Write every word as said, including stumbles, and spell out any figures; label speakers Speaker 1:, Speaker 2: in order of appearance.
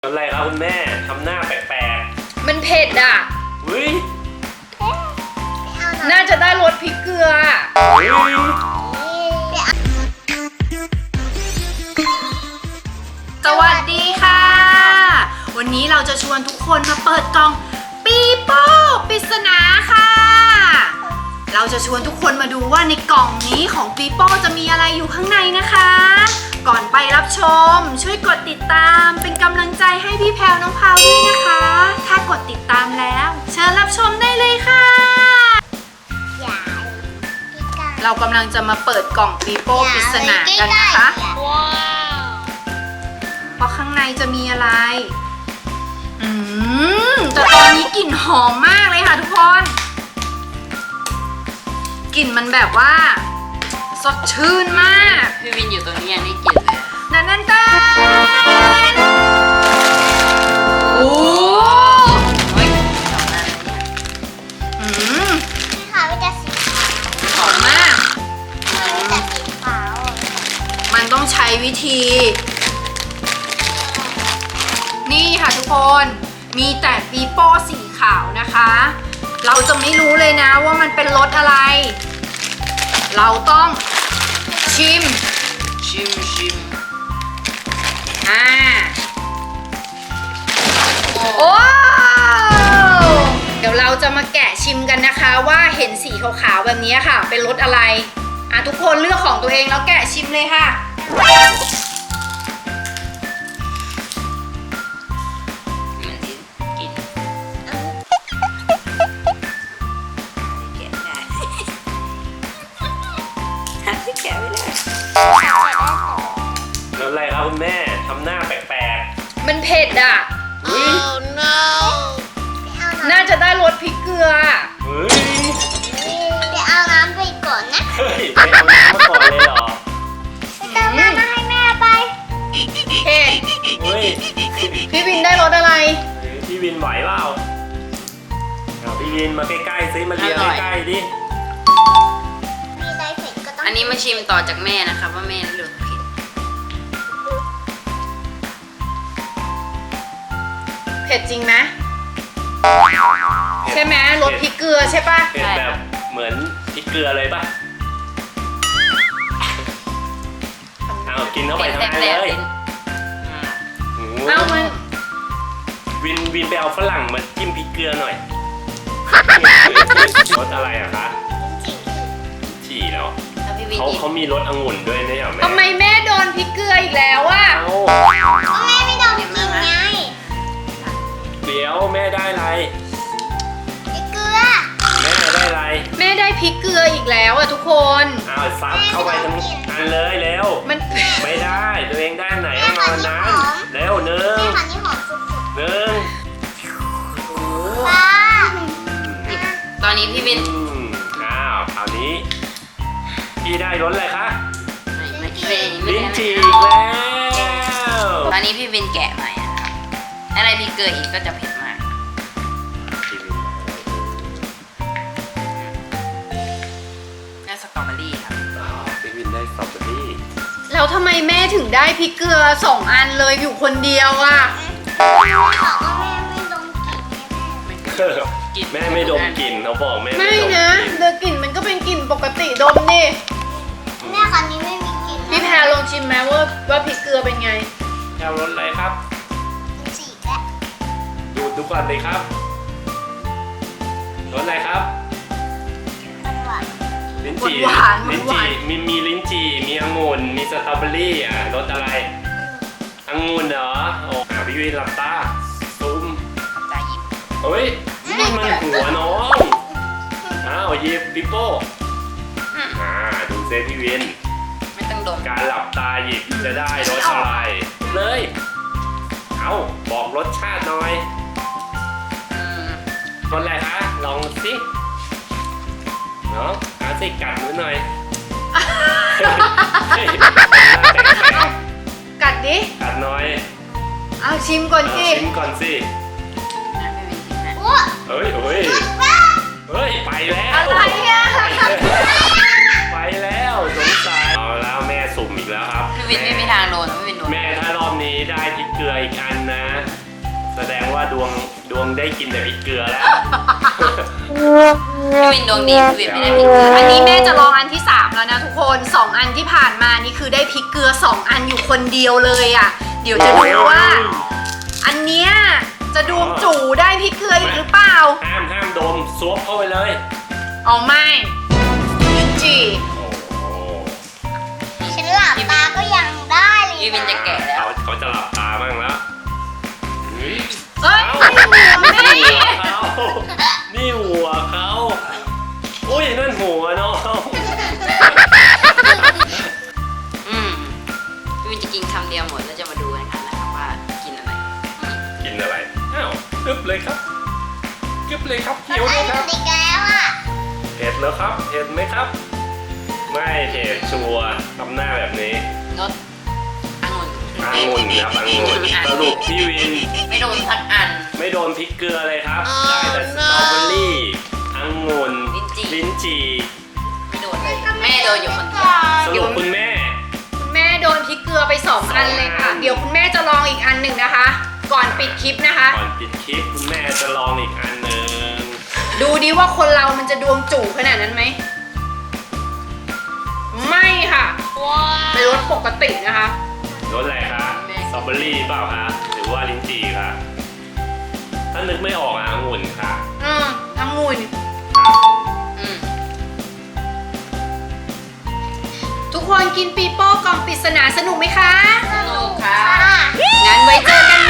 Speaker 1: อะไรครับคุณแม่ทำหน้าแปลกๆ
Speaker 2: มันเผ็ดอ่ะ
Speaker 1: อุ้ย
Speaker 2: น่าจะได้รสพริกเกลือ
Speaker 1: อุ้ย
Speaker 2: สวัสดีค่ะ วันนี้เราจะชวนทุกคนมาเปิดกล่องปีโป้ปริศนาค่ะ เราจะชวนทุกคนมาดูว่าในกล่องนี้ของปีโป้จะมีอะไรอยู่ข้างในนะคะ ก่อนไปรับชมช่วยกดติดตามเป็นกำลังใจให้พี่แพรวน้องพาวด้วยนะคะ ถ้ากดติดตามแล้วเชิญรับชมได้เลยค่ะเรากำลังจะมาเปิดกล่องปีโป้ปริศนากันนะคะเพราะข้างในจะมีอะไรอืมแต่ตอนนี้กลิ่นหอมมากเลยค่ะทุกคนกลิ่นมันแบบว่าสดชื่นมาก
Speaker 3: พี่วินอยู่ตรงนี้ยังได้กลิ่นเลย
Speaker 2: นั่นนั่นตาโอ้
Speaker 3: เฮ้ยสองอัน
Speaker 2: อืม
Speaker 4: ค่ะมันจะสีขาว
Speaker 2: หอมมาก
Speaker 4: มันจะสีขาว
Speaker 2: มันต้องใช้วิธี นี่ค่ะทุกคนมีแต่ปีโป้สีขาวนะคะ เราจะไม่รู้เลยนะว่ามันเป็นรสอะไร เราต้องชิม
Speaker 3: ชิมชิม
Speaker 2: อ่าโอ้เดี๋ยวเราจะมาแกะชิมกันนะคะว่าเห็นสีขาวๆแบบนี้ค่ะเป็นรสอะไรอ่ะทุกคนเลือกของตัวเองแล้วแกะชิมเลยค่ะ
Speaker 3: มันกินกินแกะได้หาที่แกะไม่ได้
Speaker 1: แล้วอะไรครับคุณแม่ทำหน้าแปลก
Speaker 2: มันเผ็ดอ่ะ
Speaker 1: ๆอุ้ย
Speaker 2: น่าจะได้รสพริกเกลือ
Speaker 1: เฮ้ย
Speaker 4: ไปเอาน้ำไปก่อนนะ
Speaker 1: เฮ้ยไปเอาน้ำมาก่อนเลยเหรอ
Speaker 4: ไปเติมน้ำมาให้แม่ไป
Speaker 2: เผ็ด
Speaker 1: เฮ้ย
Speaker 2: พี่วินได้รสอะไร
Speaker 1: พี่วินไหวเปล่าเอาพี่วินมาใกล้ๆซิมาเรียงใกล้ๆดิ
Speaker 4: มีอะไรเผ็ดก็ต้อง
Speaker 3: อันนี้มาชิมต่อจากแม่นะคะว่าแม่เลือกเผ็ด
Speaker 2: เผ็ดจริงไหมใช่ไหมรสพริกเกลือใช่ปะ
Speaker 1: เผ็ดแบบเหมือนพริกเกลือเลยป่ะเอากินเข้าไปทั้งนั้นเลย
Speaker 2: เอามัน
Speaker 1: วินวินไปเอาฝรั่งมาจิ้มพริกเกลือหน่อยรสอะไรอะคะฉี่แล้วเขาเขามีรสองุ่นด้วยนะเหรอแม่
Speaker 2: ทำไมแม่โดนพริกเกลืออีกแล้วอะ
Speaker 4: ก็แม่ไม่โดนกินไง
Speaker 1: เดี๋ยวแม่ได้อะไร
Speaker 4: ไอ้เกลือ
Speaker 1: แม่ได้อะไร
Speaker 2: แม่ได้พริกเกลืออีกแล้วอะทุกคน
Speaker 1: อ้าวซับเข้าไปทั้งอันเลยเร็ว
Speaker 2: มัน
Speaker 1: ไม่ได้ตัวเองได้ไหนเอามานั้นเร็วหนึ่ง
Speaker 4: แม่ขันนี่หอมสุด
Speaker 1: หนึ่ง
Speaker 4: ๆป้า
Speaker 3: ตอนนี้พี่วิน
Speaker 1: อืมอ้าวคราวนี้พี่ได้รสอะไรคะ
Speaker 3: ไม่ไม่ไม่ไม่
Speaker 1: ลิ้น
Speaker 3: ได้
Speaker 1: จี่อีกแล้ว
Speaker 3: ตอนนี้พี่วินแกะใหม่อะครับอะไรพริกเกลืออีกก็จะเผ็ดมากน่าสตรอเบอรี่ครับ
Speaker 1: อ้าวพี่วินได้สตรอเบอรี่
Speaker 2: แล้วทำไมแม่ถึงได้พริกเกลือสองอันเลยอยู่คนเดียวอะ
Speaker 4: แม่บอกว่าแม่ไม่ดมกลิ่นไงแม่
Speaker 3: กิน
Speaker 1: แม่ไม่ดมกลิ่นเขาบอกแม่
Speaker 2: ไม่
Speaker 1: ไม่ดม
Speaker 2: นะ
Speaker 1: กลิ่น
Speaker 2: เดอกลิ่นมันก็เป็นกลิ่นปกติดมดิ
Speaker 4: แม่ขันนี้ไม่มีกลิ่น
Speaker 2: พี่แพรลองชิมไหมว่าว่าพริกเกลือเป็นไง
Speaker 1: เอารสอะไรครับ
Speaker 4: สีแล้ว
Speaker 1: ดูดูก่อนเลยครับรสอะไรครับ
Speaker 4: หวาน
Speaker 1: ลิ้นจี่
Speaker 2: หวานๆ
Speaker 1: ลิ้น
Speaker 2: หวา
Speaker 1: จี่
Speaker 2: น
Speaker 1: มีมีลิ้นจี่มีองุ่นมีสตรอเบอรี่อ่ะรสอะไรองุ่นเหรอโอ้หาพี่วินหลับตาซูม
Speaker 3: ตาหยิบ
Speaker 1: เฮ้ยนี่มันหัวน้องอ้าวหยิบปิโป้อ่าดูเซพี่วิน
Speaker 3: ไม่ต้องดม
Speaker 1: การหลับตาหยิบจะได้รสอะไรเลยเอาบอกรสชาติหน่อย
Speaker 3: อืม
Speaker 1: รสอะไรคะลองสิเนาะหาสิกัดหนูหน่อยเฮ้ย
Speaker 2: กัดดิ
Speaker 1: กัดหน่อย
Speaker 2: เอาชิมก่อน
Speaker 1: เอา
Speaker 2: สิ
Speaker 1: ชิมก่อนสิ
Speaker 3: นะพี่วินชิมนะ
Speaker 4: โอ้
Speaker 1: เฮ้ยเฮ้ยเฮ้ยไปแล้ว
Speaker 2: อะไรอะ
Speaker 1: ไปแล้วสงสัยเอาแล้วแม่สุ่มอีกแล้วครับ
Speaker 3: พี่วินไม่มีทางโดนพี่วินโดน
Speaker 1: แม่ถ้ารอบนี้ได้พริกเกลืออีกอันนะ แสดงว่าดวงดวงได้กินแต่พริกเกลือแล้ว
Speaker 3: พี่วินดวงดีพี่วินไม่ได้พริกเกลือ
Speaker 2: อันนี้แม่จะลองอันที่สามแล้วนะทุกคนสองอันที่ผ่านมานี่คือได้พริกเกลือสองอันอยู่คนเดียวเลยอ่ะ เดี๋ยวจะดูว่า อันเนี้ยจะดวงจู่ได้พริกเกลืออีกหรือเปล่า
Speaker 1: ห้ามห้ามดมซวบเข้าไปเลย
Speaker 2: เอาไม่จี
Speaker 1: โอ้โห
Speaker 4: ฉันหลับตาก็ยังได้เลย
Speaker 3: พี่วินจะแก่แล้ว
Speaker 1: เขาเขาจะหลับตาบ้างแล้วเฮ้ย
Speaker 2: เอ้ย
Speaker 1: เอ้า
Speaker 2: แม่
Speaker 1: นี่หัวเขานี่หัวเขาอุ้ยนั่นหัวน้อง
Speaker 3: อืมพี่วินจะกินคำเดียวหมดแล้วจะมาดูกันค่ะนะครับว่ากินอะไร
Speaker 1: กินอะไรอ้าวกึบเลยครับกึบเลยครับเคี้ยว
Speaker 4: ไอ้
Speaker 1: เลยครับ
Speaker 4: อีกแล้วอ่ะ
Speaker 1: เผ็ดแล้วครับเผ็ดไหมครับ ไม่เผ็ดชัวร์ทำหน้าแบบนี้
Speaker 3: งดองุ่น
Speaker 1: องุ่นครับองุ่นสรุปพี่วิน
Speaker 3: ไม่โดนสักอัน
Speaker 1: ไม่โดนพริกเกลือเลยครับ ได้แต่สตรอเบอรี่องุ่น
Speaker 3: ลิ้นจี่
Speaker 1: ลิ้นจี่
Speaker 3: ไม่โดนเลยแม่โดนอยู่คนเดียว
Speaker 1: สรุปคุณแม่
Speaker 2: คุณแม่โดนพริกเกลือไปสองอันเลยค่ะ เดี๋ยวคุณแม่จะลองอีกอันหนึ่งนะคะ ก่อนปิดคลิปนะคะ
Speaker 1: ก่อนปิดคลิปคุณแม่จะลองอีกอันหนึ่ง
Speaker 2: ดูดิว่าคนเรามันจะดวงจู่ขนาดนั้นไหม ไม่ค่ะเป็นรสปกตินะคะ
Speaker 1: รสอะไรคะสตรอเบอรี่เปล่าคะหรือว่าลิ้นจี่คะถ้านึกไม่ออกอะองุ่นค่ะ
Speaker 2: อืมองุ่น
Speaker 3: อืม
Speaker 2: ทุกคนกินปีโป้กล่องปริศนาสนุกไหมคะ
Speaker 3: สนุกค่ะ
Speaker 2: งั้นไว้เจอกัน